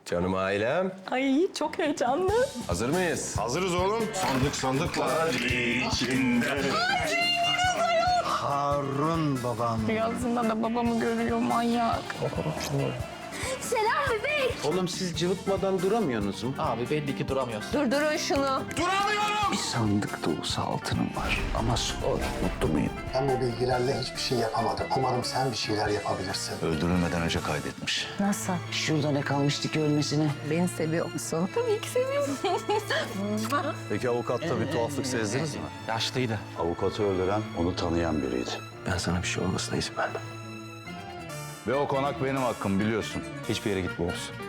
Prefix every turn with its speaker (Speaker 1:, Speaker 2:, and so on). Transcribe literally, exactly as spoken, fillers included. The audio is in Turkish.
Speaker 1: Canım ailem.
Speaker 2: Ay çok heyecanlı.
Speaker 1: Hazır mıyız?
Speaker 3: Hazırız oğlum. Sandık sandıklar içinde.
Speaker 4: Harun babam.
Speaker 2: Rüyasında da babamı görüyor manyak.
Speaker 5: Selam bebek.
Speaker 4: Oğlum siz cıvıtmadan duramıyorsunuz mu?
Speaker 6: Abi belli ki duramıyorsun.
Speaker 2: Durdurun şunu.
Speaker 4: Bir sandık dolusu altınım var. Ama sor, mutlu muyum?
Speaker 7: Ben bu bilgilerle hiçbir şey yapamadım. Umarım sen bir şeyler yapabilirsin.
Speaker 8: Öldürülmeden önce kaydetmiş.
Speaker 2: Nasıl?
Speaker 4: Şurada ne kalmıştı ki ölmesine?
Speaker 2: Beni seviyor musun? Tabii ki seviyorum.
Speaker 8: Peki avukatta bir tuhaflık sezdiniz mi?
Speaker 6: Yaşlıydı.
Speaker 8: Avukatı öldüren onu tanıyan biriydi.
Speaker 1: Ben sana bir şey olmasına izin vermem.
Speaker 8: Ve o konak benim hakkım biliyorsun.
Speaker 1: Hiçbir yere gitmiyoruz.